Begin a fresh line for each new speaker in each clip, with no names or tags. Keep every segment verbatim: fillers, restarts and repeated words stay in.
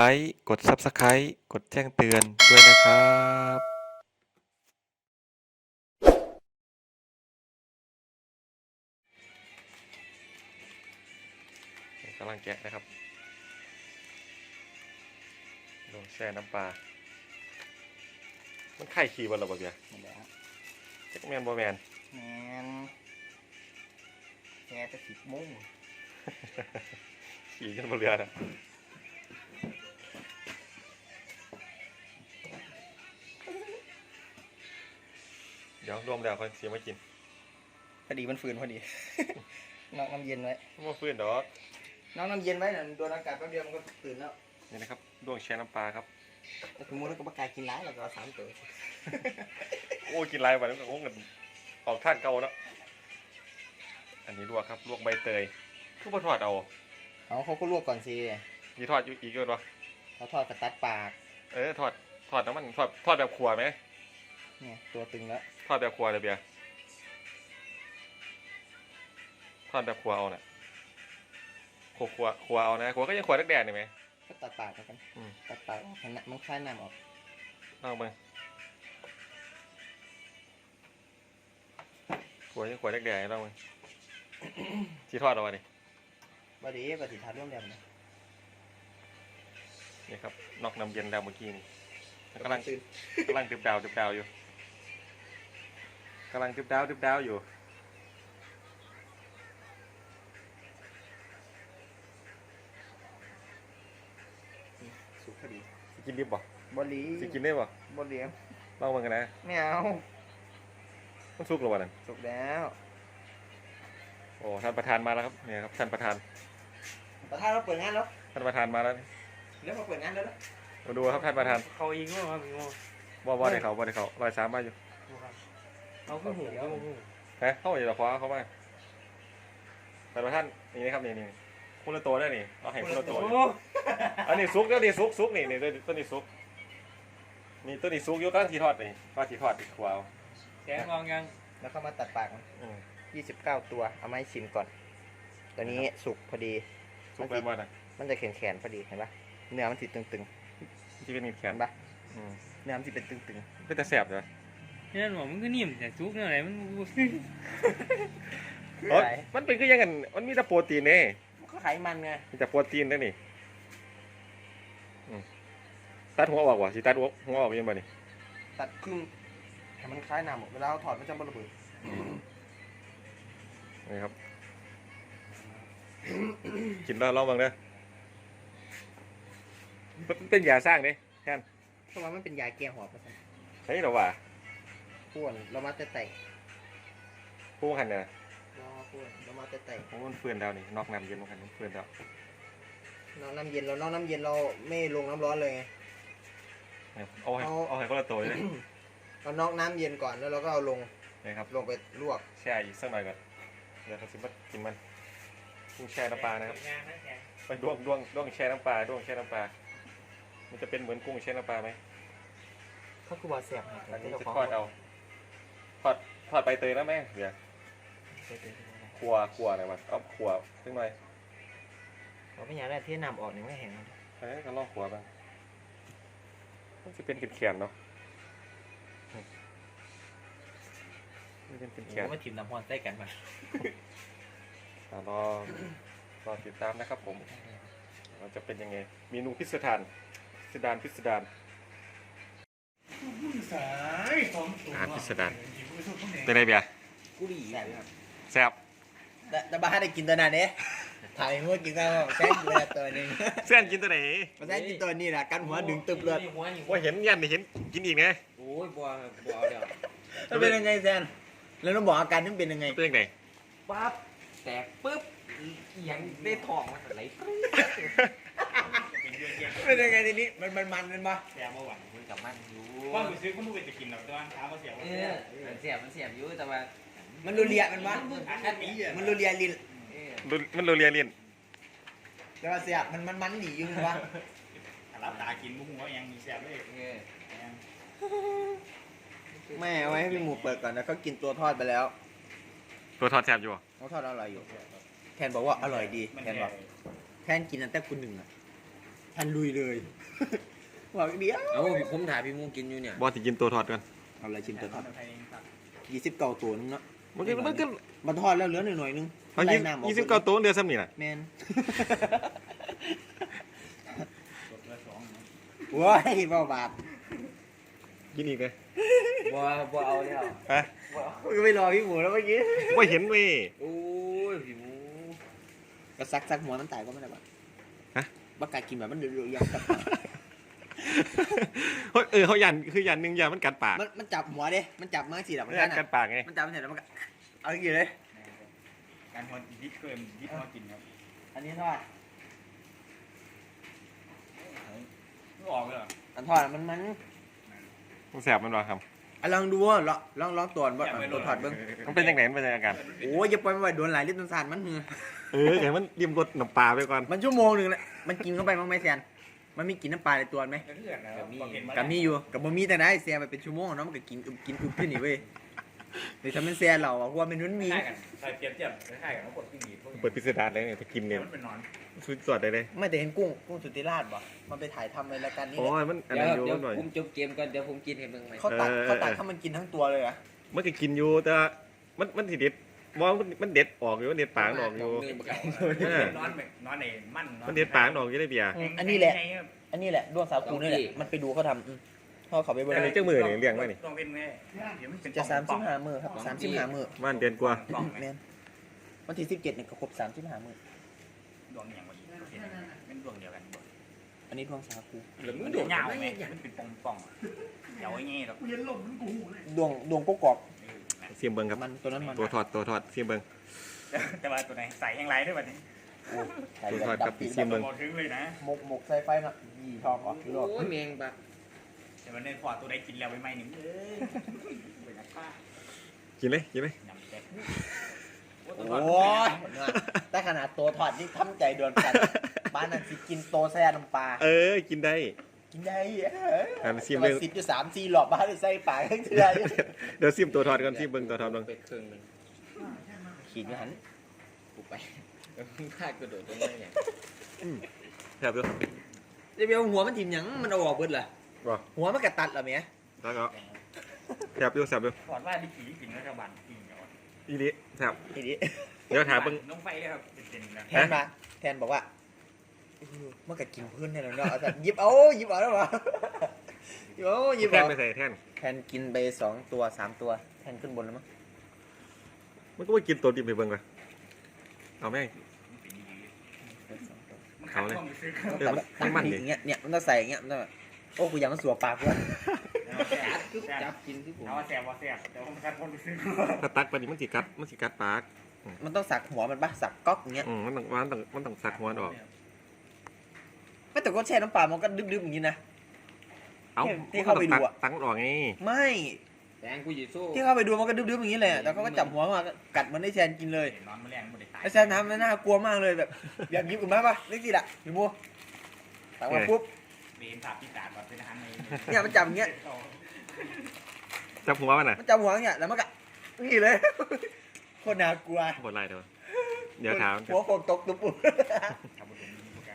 ลค์กด ซับสไครบ์ กดแจ้งเตือนด้วยนะครับกำลังแกะนะครับลงแช่น้ำปลา มันไข่ขี่บนระบบเบียร์
หมดแล้ว
แจ็คแมนบอแมน
แมนแกจะสิบโมง
ขี่กันบนเรือนะเดี๋ยวรวมแล้วค่อยเสียมากิน
พอดีมันฝืนพอดี น้องน้ำเย็นไว้
มาฟื้นดอก
น้องน้ำเย็นไว้น่ะโดนอากาศแป๊บเดียวมันก็ตื่นแล้ว
นี่นะครับดวงแช่น้ำปลาครับ
แต่สมมติเราก็ประกาศกินร้ายแล้วก็เอาสามตัว
โอ้กินลายวันนี้ก็คงกันออกท่านเก่าเนาะอันนี้ลวกครับลวกใบเตยทุกปทอดเอา
เอาเขาก็ลวกก่อนสิ
มีทอดอยู่อีกด้วยวะ
เขาทอดกระตัดปาก
เออทอดทอดน้ำมันทอดทอดแบบขัวไหม
เนี่ยตัวตึงแล้ว
ทอดแบบขัวเลยเบียร์ทอดแบบขัวเอาเนี่ยขัวขัวขัวเอานะขัวก็ยังขัวแดกๆนี่ไหม
ก็ตัดปากแล้วกัน
อืม
ตัดปากออกให้น้ำมันคลายน้ำออก
ลองไปขัวยังขัวแดกๆลองไป ที่ทอดเอาไว้ดิ
บดีปฏิทานร่วมเดียวนะ
นี่ครับนอกน้ำเย็นแล้วเมื่อกี้นี่กำลัง
ตื่น
กำลังดึบดาวดึบดาวอยู่กำลังดึบดาวดึบดาวอยู่
สุกพอดี
สิกินดิบบ่
บดี
สิกินได้บ่
บดี
ลองมันกันนะ
ไม่เอา
มันสุกหรือวะนั่น
สุกแล้ว
โอ้ท่านประธานมาแล้วครับเนี่ยครับท่านประธาน
ประธานเราเปิดงานแล้ว
ท่านประธานมาแล้วนี่
เดี๋ยวมาเปิดงานแล้วนะ
มาดูครับท่านประธาน
เขาอีกว่าครับพี่โม
ว่าว่าได้เขาว่าได้เขาลอยสามมาอยู่
เขาคือหูเขาหู
ฮะเข้ามาอยู่ต่อคว้าเข้ามาท่านประธานนี่นะครับนี่นี่คนละตัวได้นี่เราเห็นคนละตัวอยู่อันนี้ซุกแล้วนี่ซุกซุกนี่นี่ตัวตัวนี้ซุกนี่ตัวนี้ซุกอยกตั้งทีทอดนี่ว่าทีทอดติดขวาว
แกงมองยัง
แล้วก็มาตัดปากมัน
อืม
ยี่สิบเก้าตัว เอามาให้ชิมก่อน ตัวนี้สุกพอดี
ซุกไปบ้านนะ
มันจะแข็งๆพอดี เห็นปะเนื้อมันติดตึง
ที่เป็นมีดแข
ๆ เห็
น
นปะ
อืม
เนื้อมันติดเป็นตึง
เป็นแต่แสบเลย
นี่หนูมันก็นิ่มแต่ซุกเนี่ยอะไรมัน
ๆ
เอ้ยมันเป็นก็ยังไงมันมีแต่โปรตีนเนี่ย
มันก็ไขมันไง
มีแต่โปรตีนได้นี่อืมตัดหัวออกว่ะสิตัดหัวหัวออกยังไงนี่
ตัดครึ่งให้มันคล้ายน้ำหมดเวลาเราถอดมันจะบระเบิด
นี่ครับ กินแล้วลองบ้างเด้อมันเป็นยาสร้างเนี่ยแค่น
เพราะว่ามันเป็นยาแก้หอบนะ
เฮ้ยเราว่า
ป้วนเรามาแต่ไต่
ผู้หันเนี่ย
รอป้วนเรามาแต่ไต่
โอ้มันเฟื่อนดาวนี่นอกน้ำเย็นมันหันมันเฟื่อนดาว
น้องน้ำเย็นเราน้องน้ำเย็นเราไม่ลงน้ำร้อนเลยไง
เอาให้เอาให้คนละตัวเลย
เรานอกน้ำเย็นก่อนแล้วเราก็เอาลง
นี่ครับ
ลงไปลวก
แช่อีกสักหน่อยก่อนเดี๋ยวเขาสิมากินมันกุ้งแช่น้ำปลานะครับไปด้วงด้วงด้วงแช่น้ำปลาด้วงแช่น้ำปลามันจะเป็นเหมือนกุ้งแช่น้ำปลาไหม
เขาคือว่าเสียบ
อันนี้จะทอดเอาทอดทอดใบเตยนะแม่เดี๋ยวขัวขัวหน่อยวะเอาขัวสักหน่อย
เราไม่อยากได้เที่น้ำออกนี่ไม่เห็น
เอ้ยก็ลองขัวบ้างมันจะเป็นแขนๆเนาะมันเป็นแขน
มาถิ่มน้ำพรใส่กันมา
ๆอ่ะรอรอติดตามนะครับผมเราจะเป็นยังไงเมนูพิสดารพิสดารพิสดาร
สายสองตัว
อาหารพิสดารเป็นไงเบียร์
กูดีแซ่บครับ
แซ่บ
แต่แต่บ้าได้กินตัวนั้นเนี่ยถ่ายหัวกินแล้วแซ่บเลยตัวนึง
เส้นกินตัวไหน
มาแซ่บกินตัวนี้แหละกันหัวดึงตึบเลย
ว่าเห็นยันนี่เห็นกินอีกไง
โอ้ยบัวบัวเดี๋ยว
มันเป็นยังไงแซนแล้วต้องบอกอาการมันเป็นยังไง
เป็นยังไง
ปั๊บแตกปุ๊บยังได้ทองมันไหล
เป็นยังไงทีนี้มันมันมันมันมา
แซ่บมาหวัง
คุยกับมันอยู่
ว่ามือซื้อเขาไม่เป็นจะกินหรอกแต่ว่าถามว่าเสียบ
เอ
ว่า
อมันเสียบมันเสียบอยู่แต่ว่า
มันรูเลียมันมา
อันนี้อ่ะ
มันรูเลียลิ้น
เออ
ดูมันโรเลียเลียน
แต่ว่าเสียบมันมันมันหนีอยู่มันวะ
รับตากินบุ้งว่ายังมีแซ่บเลย
เออ
แม่เอาไว้ให้พี่หมูเปิดก่อนนะเขากินตัวทอดไปแล้ว
ตัวทอดแซ่บอยู่บ่
เขาทอดอร่อยอยู่แทนบอกว่าอร่อยดีแทนบอกแทนกินตั้งแต่คุณหนึ่งอ่ะทันลุยเลยบอกเดียว
เอาผมถ่ายพี่มูกินอยู่เนี่ย
บอสสิกินตัวทอดกัน
เอาอะไรชิมตัวทอด
ไทยเองครับ
ยี่สิบเก้าตัวนึงเนาะ
มันก็มันก็
มันทอดแล้วเหลือหน่อยๆนึง
เอา
ไล่
ยี่
น้ำออก
ยี่สิบเก้าตัวเดือนซ้ำนี่แหละ
แมน
กดละสองนะ
ว้ายเบาบาป
กินอีกเลย
บ่บ่เอาแล้ว
ฮะ
มึงก็ไม่รอพี่หมูแล้วเมื่อกี้
ว่าเห็นเว้ย
โอ้ยพี่มู
ก็ซักซักหัวมันตายก็ไม่ได้ปะ
ฮะ
บักกากินแบบมันเดือดๆยังกับ
เฮ้ยเออเขายันคือยันหนึ่งยันมันกัดปาก
มันมันจับหัวเด้มันจับมาสิแบบมัน
ยั
กัน น
กั
อะ
ดปากไง
มันจับมันเสร็จแล้วมันก็เอาอย่างนี้เลย
การหัวยิบเกินยิบหัวกินครับ
อันนี้ทอด
ไม่ออกเลยเหรอ
อันทอดอะมันมัน
มันแสบมันวะครับ
อ่ะลองดูว่าลองลองลองตัวว่าตัวทอดเบิ้ง
มันเป็นยังไงมันเป็นยังไงกัน
โอ้ยอย่าปล่อยมันไว้โดนหลายลิตรต้นสารมันเหงื่อ
เออเดี๋ยวมันริมรสน้ำปลาไปก่อน
มันชั่วโมงหนึ่งแหละมันกินเข้าไปมั้งไหมแซนมันมีกลินน้ำปลาในตัวไหม
เพื่อนนะครับบอกเห็นมา
กับมีอยู่กับบ่มีแต่ได้แซนไปเป็นชั่วโมงเนาะมันก็กินอึบกินอึบขึ้นนี่เว้ยเดี๋ยวถ้ามันแซนเราอะเพราะว่ามันมันมี
คล้ายกันใส่เปรียบเทียบคล้ายๆกันแล้วกดปิ้งดีพวกนี้
เปิดพิสดารเลยเนี่ยจะกินเนี่ย
มันเป็นนอน
สุดสดเลยเลย
ไม่แต่เห็นกุ้งกุ้งสุธิราชบ่มันไปถ่ายทำในรายการนี้
โอ้
แหละ
ยมันอัน
เดี๋ย
นั้น
ว
อยู่
เดี๋ยว
หน่อย
ผมจบเกมก่อนเดี๋ยวผมกินให้เบิ่งใหม่
เขาตัด
เออ
เขาตัดให้มันกินทั้งตัวเลยเหรอะ
มันก็กินอยู่แต่ว่ามันมันสิเด็ดมองมันมันเด็ดออกอยู่มันเด็ดปากมันออกอยู่
มือบักไก่
เออ
นอนแบบนอนเองมั่นนอน
มันเด็ดปากมันออกอยู่ได้เบียร์
อันนี้แหละ อันนี้แหละด้วงสาคูนี่แหละมันไปดูเขาทำอืมพ่อเขาไปเบิ่ง
อันนี้เจ้ามือเนี่ยเลี้ยงไว้นี่
ต้องเป็นไงเดี๋ยวมันเป็น
จะสามสิบห้ามือครับสามสิบห้ามือ
มันเดือนกว่า
แมนวันที่สิบเจ็ดเนี่ยก็ครบสามสิบห้ามือ
ดวงอย่างวันนี้เป็นดวงเดียวกันบ่
อันนี้ด้วงสาคู
หรือ
มั
มึ
น
ง
โด
โด
ด
ด
ยาว
ไม่
ไหม
อย่าง
มันเป็นปองปองเดี๋ยวไอ้เงี้ยหรอก
ดวงดวงกกอก
เสียมเบิงครับ
มันตัวนั้นมัน
ตัวทอดตัวทอดเสียมเบิง
แต่ว่าตัวไหนใส่แห้งไรด้วยวันนี้
โอ้ใส่
ตัว
แบบ
ทอดกับ
ดำปี
เสียมเบิง
หมดถึงเลยนะ
หมกหมกใส่ไฟน่ะยี่ทองออกยุโรป
โอ้ยแมงบัก
แต่วันนี้พอตัวใดกินแล้วไปไหมหนึ่งเอ้ยเป็นนักฆ่า
กินเลยกินเลย
ยำแซ่บ
โอ้ยแต่ขนาดตัวถอดนี่ทำใจเดือนกันบ้านนั้นสิกินโตแซ่น้ำปลา
เออกินได้
กินได้เออ
อ่ะซิม
แต่
เลย
ว่าสิบอยู่สามสี่หลอบบ้านเลยใส่ปากทั้งเทือ
เดี๋ยวซิมตัวทอดก่อนซิมเบิงตัวทอดเบิง
เป็ดครึ่งหนึง
ขีดอยู่หัน
กูไปเออมึงพลาดกระโดดตรงนั้นอย่าง
แซ่บด้วย
เดี๋ยวเอาหัวมันทิ่มหยังมันเอาออกเบิดล่ะ
บ่
หัวมันกระตัดเหรอเมีย
แล้วก็แซ่บด้วยแซ่บด้วย
ก่อนว่าดิขี่กินรัฐบาลกินเดี๋ยว
อีนี้แซ่บ
ทีนี้
เดี๋ยวถามเบิง
น้องไฟเลยครับเป็นๆนะ
แทนมาแทนบอกว่าเออมันก็กินพื้นแทนแล้วเนาะเอาแต่หยิบเอาหยิบเอาแล้ววะหยิบเอาหยิบ
แท่น
เอา
ไปใส่แท่น
แทนกินไปสองตัวสามตัวแทนขึ้นบนแล้วมั้ง
มันก็ไม่กินตัวดิบไปเบิงเลยเอาแม่ง
มันขัดข้องไปซื้อ
เออมันมันมันดิ
อย่างเงี้ยเนี่ยมันต้องใส่อย่างเงี้ยมันต้องแบบโอ้กูอยากมันสัวปากกูอะ
จับคือจับกินที่ผม
เอาแซ่บว่าแซ่บแต่ผมขัดข้องไปซื้อ
ถ้าตักไปนี่มันสิกัดมันสิกัดปาก
มันต้องสักหัวมันปะสักก๊อกอย่างเงี้ย
อืมมันต้องมันต้องมันต้องสักหัวมันออก
ไม่แต่ก็แช่น้ำปลามันก็ดึบๆอย่างงี้นะ
เอ้า
ที่เข้าไปดูอะ
ตักมันออกไง
ไม่
แตงกูอยู่สู้
ที่เข้าไปดูมันก็ดึบๆอย่างงี้เลยอะแต่เขาก็จับหัวมากัดมันได้แชนกินเลย
นอนแมลงไม่ได้ตาย
ไอ้แชนทำมันน่ากลัวมากเลยแบบอยากหยิบออกมาปะเล็กสิล่ะอยู่มัวตักมาปุ๊บ
เบนถาพิจารณ์ว่าเป็นอาหารใน
เนี่ยมันจับอย่างเงี้ย
จับหัวมันน่ะ
มันจับหัวอย่างเงี้ยแล้วมันก็นี่เลยโคตรน่ากลัว
บดไรเดี๋ยวเดี๋ยวถาม
หัวโคกตกตุ๊บปุ๊บ
ทำบุญมีกาย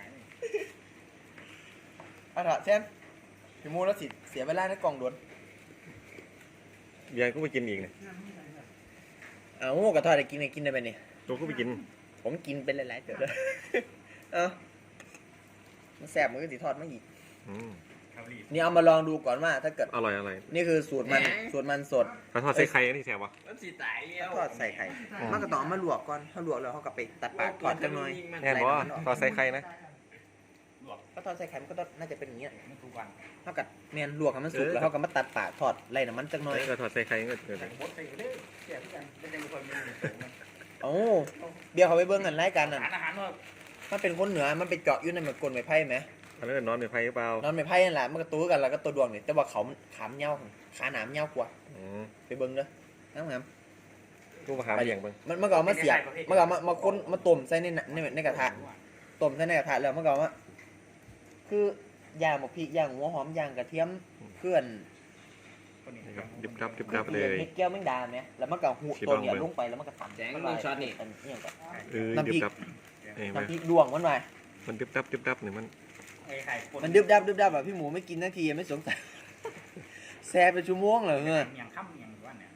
เอาเถอะแชนอยู่มัวแล้วสิเสียเวลาในกล่องด่วน
เบียร์ก็ไปกินอีกเนี่ย
เอากระทอดได้กินได้กินได้ไปเนี่ย
ตัวก็ไปกิน
ผมกินเป็นหลายๆเดี๋ยวเลย เออมันแสบมันก็สีทอดมาอีก
อืม
ครับรีบ
นี่เอามาลองดูก่อนว่าถ้าเกิด
อร่อยอร่อย
นี่คือสูตรมันสูตรมันสด
เขาทอดใส่ไข่อันนี้แซ่บวะ
มันสิตายแล้ว
ทอดใส่ไข่
อืม
มันก็ต้องเอามาลวกก่อนถ้าลวกแล้วเขาก็ไปตัดปากทอดจังหน่อย
แน่นบ่ทอดใส่ไข่นะ
ลวก
ก็ทอดใส่ไข่มันก็ต้องน่าจะเป็นอย่างเงี้ย
ไม่ทุกวัน
เท่ากับเมียนลวกให้มันสุกแล้วเขาก็มาตัดปากทอดไล่น้ำมันจังหน่อย
นี่ก็ทอดใส่ไข่ก็เกิด
แต่บดใส่เด้อแซ่บกันไม่ได้มีคนมีสูงนะ
โอ้เบียร์เขาไปเบิ้งกันรายการนั่น
อาหารอาหารว่า
มันเป็นคนเหนือมันไปเจาะอยู่ในเหมือนกลนไม้ไผ่ไหม
อันนั้นนอนในไฟหรือเปล่าน
อนไม้ไผ่นั่นแหละมันก็ตัวกันแล้วก็ตัวดวงนี่แต่ว่าเขามันขามเงี้ยวขาหนามเงี้ยวกว่า
อืม
ไปเบิ้งเด้อน้ำงาม
ตู้มาหาเลี้ยงเบิ่ง
มันมันก็เอามาเสียบมันก็เอามามาคนมาต้มใส่ในน่ะในในกระทะต้มใส่ในกระทะแล้วมันก็เอามาคือย่างหมกพริกย่างหัวหอมย่างกระเทียมเพื่อน
คนนี้
นี่ครับดิบดับดิบดับเลย
เม็ดแก้วแมงดาไหมแล้วมันก็หู
ชิล
ตัว
อง
เนี่ย
เบิ่ง
ลงไปแล้วมันก็ตัด
แสงมึงช็อตนี่
อันนี้ก็
เออ
น้ำพริ
ดิ
ก
บดับเอ้ยมัน
น้ำพริกดวงมันไป
มันดิบดับดิบดับเนี่ยมัน
ไอ้ไข่ป
มันดึบดับดึบดับแบบพี่หมูไม่กินนาทีไม่สงสัย แซ่เป็นชั่วโมงเลยเงี้ย
อย่างค่ำอย่างว่าเนี่ย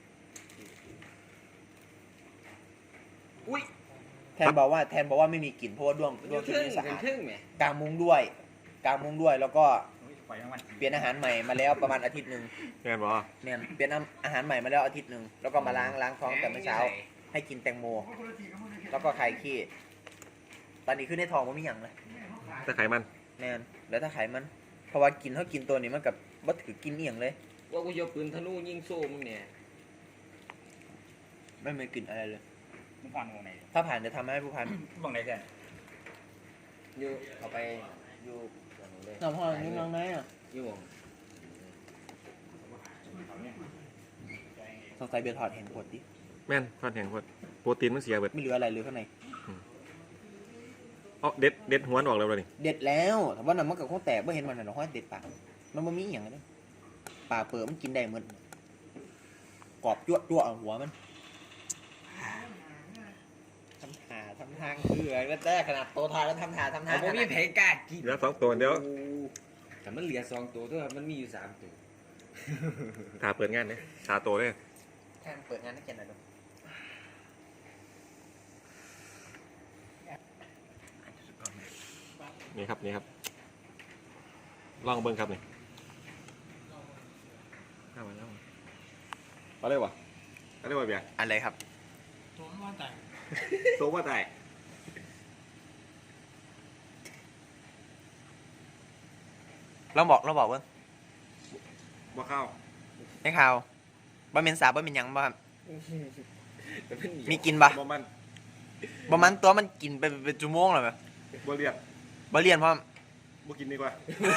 อุ้ย
แทนบอกว่าแทนบอกว่าไม่มีกลิ่นเพราะว่าด้วง
มันอ
ด้วง
ยู่
ที่
ทึ่ง
นี่สะ
เป็น
อาด
ทึ่งไหม
กางมุ้งด้วยกางมุ้งด้วยแล้วก็
ปล่อยทั้งวัน
เปลี่ยนอาหารใหม่มาแล้วประมาณอาทิตย์หนึ่ง
แม่นบ่
เนี่ยเปลี่ยนอาหารใหม่มาแล้วอาทิตย์หนึ่งแล้วก็มาล้างล้างท้องแต่เมื่อเช้า ให้กินแตงโม แล้วก็คลายขี้ตอนนี้ขึ้นในท้องมันมีอย่างเลย
แต่ไขมัน
แน่นแล้วถ้าไขมันเพราะว่ากินเขากินตัวนี้มันกับบัถือกินเอียงเลย
ว่ากูจะปืนธนูยิงโซ่มึงเนี่ย
ไม่มีกลิ่นอะไรเลย
มึงผ่อนวงไหน
ถ้าผ่านจะทำให้ผู้พัน
วงไหนแท้
อยู่เอาไปอยู่กับหนูเลย
น้ำห้องนี่น้องไหนอ่ะ
อยู่วง
สงสัยเบียร์ถอดแห่งปวดดิ
แม่นทอดแห้งพดโปรตีนมันเสียเบิด
ไม่เหลืออะไรเลยข้างใน
เอาเด็ดเด็ดหัวมันออกแล้วบ่นี่
เด็ดแล้วแต่ว่าน้ำมันกับข้าวแตกไม่เห็นมันหรอกห้อยเด็ดปากมันไม่มีอหย่างเลยปลาเปิดมันกินได้เหมือนกรอบยั่วยั่วเอาหัวมันทำหาทำทางคืออะไรก็ได้ขนาดโตทายแล้วทำหาทำทา
เอา
ง
บ่มีแผลกล้ากิน
เหลือสองตัวเดี๋ยว
แต่มันเหลือสองตัวด้วยมันมีอยู่สามตัว
ถาเปิดงานเนี่ยชาโตเลย
แค่เปิดงานนักเรียนหน่อยดู
นี่ครับนี่ครับลองเบิ้งครับนี่เอามาแล้วเอาเลยวะเอาเลยวะเบียร์
อะไรครับ
โซ่ว่าตาย
เราบอกเราบอกว่า
บ่เข้า
ไม่ข่าวบะเมนสาบะเมนหยังบ่ครับ
แต่มันเหนียว
มีกินปะ
บ่มัน
บ่มันตัวมันกินไปเป็นชั่วโมงเลยไหม
บ่เรียก
บ่เรียนเพราะ
บ่กินดีกว่า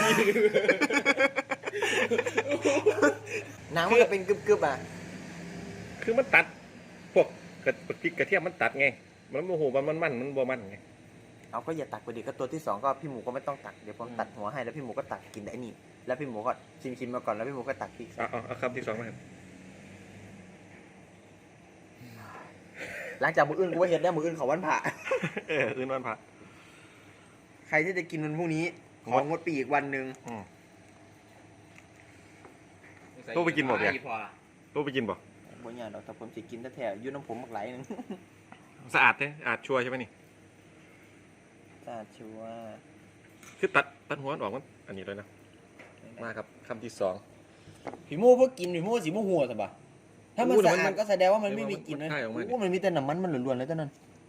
หนังมันก็เป็นกึบๆอ่ะ
คือมันตัดพวกกระพริกกระเทียมมันตัดไงมันโมโหมันมันมันมันบ่มันไง
เอาก็อย่าตักไปดิก็ตัวที่สองก็พี่หมูก็ไม่ต้องตักเดี๋ยวผมตัดหัวให้แล้วพี่หมูก็ตักกินได้นี่แล้วพี่หมูก็ชิมๆมาก่อนแล้วพี่หมูก็ตักพริกใส่
เอาเอาเอาคำที่สองมาครับ
หลังจากมืออื่นกูว่าเห็นได้มืออื่นเขาวันผ่า
เอออื่นวันพระ
ใครที่จะกินวันพรุ่งนี้ของงดปีอีกวันหนึ่ง
อืม ตู้ไปกินหมดยัง
พอ
ตู้ไปกินบ่
บ่เนี่ยเราแต่ผมสิกินแท้ๆอยืนน้ำผมบักไหลหนึง
สะอาดเนี่ยอาดชัวร์ใช่ไหมนี่
จ้าชัวร์
คือตัดตัดหัวมันออกมันอันนี้เลยนะมาครับคำที่สอง
พี่หมูพวกกินพี่หมูสีม่วหัวสิบ่ะถ้ามัน
อู้แต่
สะ
มัน
อาดก็แสดงว่ามันไม่มีกลิ่นเลย
มันคายออกมาดิ
โอ้มันมีแต่น้ำมันมันล้วนๆเลยเท่านั้น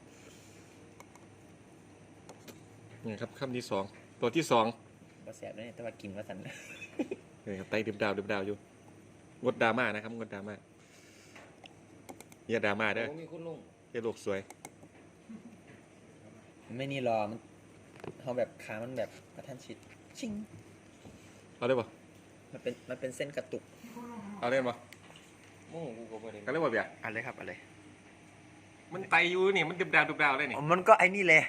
นี่ครับคำที่สองตัวที่สอง
ก็แสบเลยแต่ว่ากินว่าสัน
นี่ครับไตดิบดาวดิบดาวอยู่งดดราม่านะครับงดดราม่าอย่าดราม่าเด้อ
โอ้มีคุณลุง
อย่าโลกสวย
ไม่นี่รอมันเขาแบบขามันแบบกระทันชิดชิง
เอาได้ป่ะ
มันเป็นมันเป็นเส้นกระตุก
เอาเล่นป่ะ
โม่กูก็บ่ได้
กันเล่นป่ะเบียร์
อะไรครับอะไร
มันไตอยู่นี่มันดิบดาวดิบดาวได้นี่
มันก็ไอ้นี่แล้ว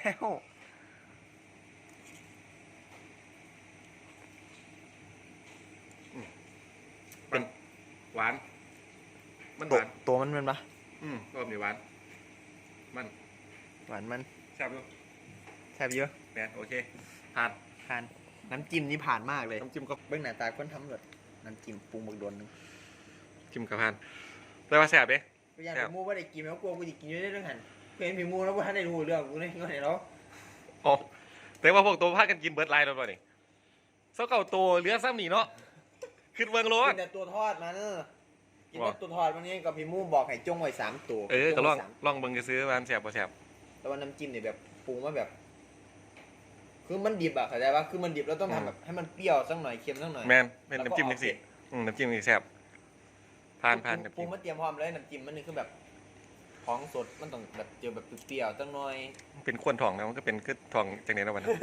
เป็นหวาน มันห
ตัว
วาน
ตัวมันมันปะ
อืมรอบนี้หวานมัน
หวานมัน
แซ่บอยู่
แซ่บเยอะ
แม่นโอเคผ่าน
ผ่านน้ำจิ้มนี่ผ่านมากเลย
น้ำจิ้มก็
เบื้องหน้าตาคนทำแบบน้ำจิ้มปรุงบักโดนนึง
จิ้มกับผ่านแต่ว่าแซ่บเด้
กูอยากพี่มูว่าได้กินไหมกลัวกูจะกินอยู่ได้เรื่องหันเพื่อนพี่มูแล้วว่าได้รู้เรื่องกูเลยก็เห็นแล้ว
อ๋อแต่ว่าพวกตัวพากันกินเบิร์ดไลน์แล้วป่ะนี่เส้าเก่าตัวเหลือซ้ำนี่เนาะขึ้นเมืองโล
กิ
ด
นแต่ตัวทอดมันกินแต่ตัวทอดมันนี่กับพี่มูบอกให้จงไว้สามตัว
เออก็ลอง
จไว้สาม
ลองเบิ่งจะซื้อมาแซ่บบ่แซ่บ
แต่ว่าน้ำจิ้มเนี่ยแบบปรุงมาแบบ คือมันดิบอะเข้าใจปะคือมันดิบแล้วต้องทำแบบให้มันเปรี้ยวสักหน่อยเค็มสักหน่อย
แมนเป็นน้ำจิ้มจังสิอืมน้ำจิ้มนี่แซ่บผ่านผ่าน
ปรุ
น้ำ
ง
จิ้ม
มาเตรียมพร้อมเลยน้ำจิ้มมันนี่คือแบบของสดมันต้องแบบเจอแบบเปรี้ยวๆสักหน่อย
เป็นควนทองนะมันก็เป็นคือทองจังนี้แล้ววันนั้น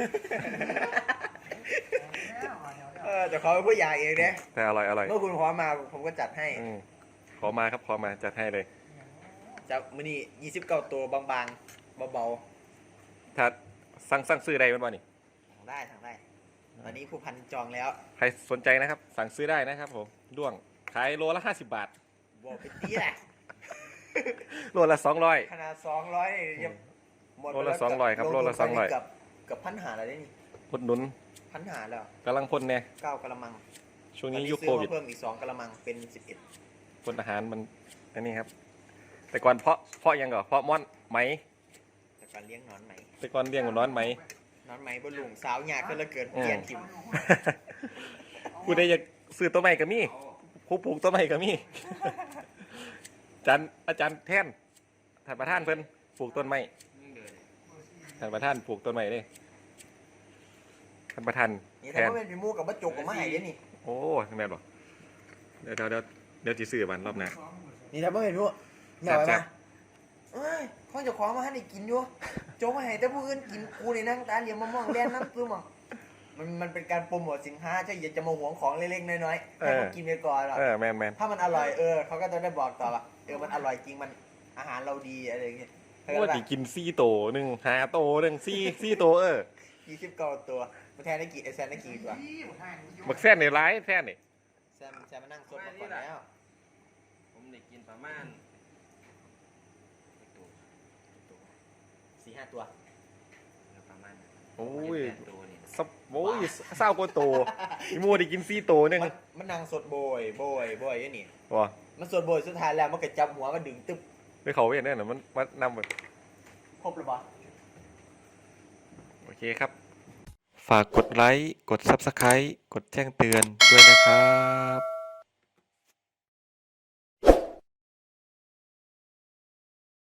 เออแต่เขาเป็นผู้ใหญ่เองเนี่ย
แต่อร่อยอร่อย
เมื่อคุณขอมาผมก็จัดให้
อืมขอมาครับขอมาจัดให้เลย
จากมื้อนี้ยี่สิบเก้าตัวบางๆเบา
ถ้าสั่งสั่งซื้อได้มันบ่นี่
ๆทางได้ทางได้ ตอนนี้ผู้พันจองแล้ว
ใครสนใจนะครับ สั่งซื้อได้นะครับผมด้วงขายโลละห้าสิบบาท
บอกไปตีแหละ
โลละสองร้อย
ขนาดสองร้อยนี่ยังหมดไป
โลละสองร้อยครับโลละสองร้อย
เกือบเกือบพันหาอะไรได้นี่
อุดหนุน
พันหาแล้ว
กำลังพ่นเนี่ย
เก้ากะละมัง
ช่วงนี้
ตอ
ยุค
ซื้
โค
อ
วิด
มาเพิ่มอีกสองกะละมังเป็นสิบเอ็ด
พ่นอาหารมันอันนี้ครับ แต่ก่อนเพาะเพาะยังก่อนเพาะม่อนไหม
แต่การเลี้ยงหนอนไหม
แต่ก่อนเลี้ยงกับน้อนไหม
นอนไหมบนลุงสาวหยาขึ้นแล้วเกินเปลี่ยนทิม
ผู้ใดอยากซื้อต้นไม้ก็มีผู้ปลูกต้นไม้ก็มี อาจารย์อาจารย์แท่นท่านประธานเพิ่นปลูกต้นไม้ท่านประธานปลูกต้นไม้เด้ท่านประธาน
นี่
แท
ถ้าน ว่าเป็นพี่มูกับมะจุกกับมะไห่เด้นี่
โอ้แม่นบ่เดี๋ยวเดี๋ยวเดี๋ยวเดี๋ยวสิซื้อมันรอบหน้า
นี่ถ้าว่าเป็นพี่มูแม่ไว้
แซ่
มา
บ
เอ้ยข้องเจะคว้ามาให้ได้กินอยู่โจกมาให้แต่ผู้อื่นกินกูนี่นั่งตาเหลียมมะม่วงแดนน้ำตื้อมองมันมันเป็นการโปรโมทสินค้าใช่อย่าจะมาหวงของเล็กๆน้อยๆให้เขากินไปก่อนหรอก
เออแม่นแม่น
ถ้ามันอร่อยเออเขาก็จะได้บอกต่อว่าเออมันอร่อยจริงมันอาหารเราดีอะไรอย่างเงี้ยเข้าใจ
ว่า
ปะ
สิกินซี่โตหนึ่งหาโตหนึ่งซี่ซี่โตเออ
ยี่สิบเก้าตัวมันแทนได้กี่ไอแซนได้กี่ตัว
บักแซนในร้ายแซนนี่
แซมแซมมานั่งซดมาก่อนแล้ว
ผมได้กินประมาณ
สี่ห้าตัว
ประมาณ
โอ้ย
แปดตัวนี่
สับโอ้ยเศร้ากว่าโตอีมัวได้กินซี่โตหนึ่ง
มันมันนั่งสดโบยโบยโบยอย่างนี่
ว่ะ
มันสดโบยสุดท้ายแล้วมันก็จับหัวมันดึงตึ๊บ
ไปเขาเวียนเนี่ยนะมันมันนำแบบ
ครบหรือเปล่า
โอเคครับ ฝากกดไลค์ กด ซับสไครบ์ กดแจ้งเตือนด้วยนะครับ